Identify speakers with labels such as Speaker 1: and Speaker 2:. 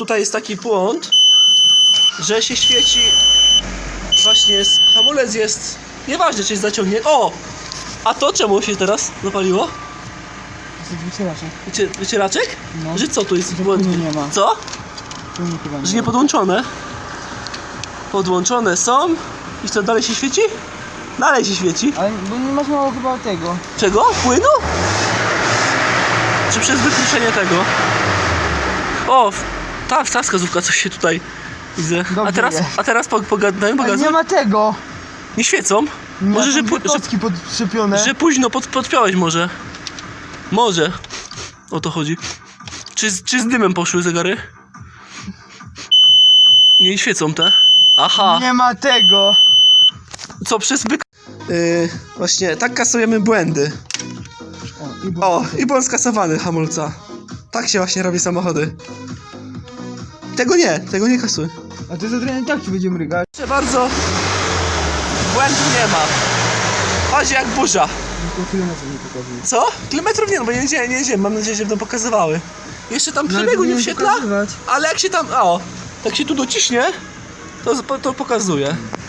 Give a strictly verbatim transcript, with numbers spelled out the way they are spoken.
Speaker 1: tutaj jest taki błąd, że się świeci. Właśnie jest, hamulec jest. Nieważne, czy jest zaciągnięty. O! A to czemu się teraz zapaliło?
Speaker 2: To jest wycieraczek.
Speaker 1: Wycie, wycieraczek?
Speaker 2: No.
Speaker 1: Że co tu jest?
Speaker 2: Że płynu nie ma.
Speaker 1: Co?
Speaker 2: Płynu chyba nie
Speaker 1: Że nie
Speaker 2: ma.
Speaker 1: podłączone? Podłączone są. I co, dalej się świeci? Dalej się świeci.
Speaker 2: Ale bo nie masz mało chyba tego.
Speaker 1: Czego? Płynu? Czy przez wykruszenie tego? O! Ta, ta wskazówka coś się tutaj widzę. A
Speaker 2: Dobrze
Speaker 1: teraz,
Speaker 2: jest.
Speaker 1: a teraz pogadamy,
Speaker 2: Ale
Speaker 1: pogadamy.
Speaker 2: nie ma tego.
Speaker 1: Nie świecą? Może, że,
Speaker 2: Są
Speaker 1: pu-
Speaker 2: dwie
Speaker 1: że,
Speaker 2: kostki podczepione.
Speaker 1: że późno pod, podpiąłeś może. Może. O to chodzi. Czy, z- czy z dymem poszły zegary? Nie świecą te? Aha.
Speaker 2: Nie ma tego.
Speaker 1: Co przez byk... Yy, właśnie, tak kasujemy błędy.
Speaker 2: O, i było.
Speaker 1: O, i błąd skasowany hamulca. Tak się właśnie robi samochody. Tego nie, tego nie kasuj.
Speaker 2: A to za trochę tak ci będzie mrygać.
Speaker 1: Proszę bardzo. Błędu nie ma. Chodzi jak burza.
Speaker 2: Tylko kilometrów nie pokazuje.
Speaker 1: Co? Kilometrów nie, no bo nie jedziemy, nie jedziemy. Mam nadzieję, że będą pokazywały. Jeszcze tam przebiegu nie wświetla, ale jak się tam... O, tak się tu dociśnie, to, to pokazuje.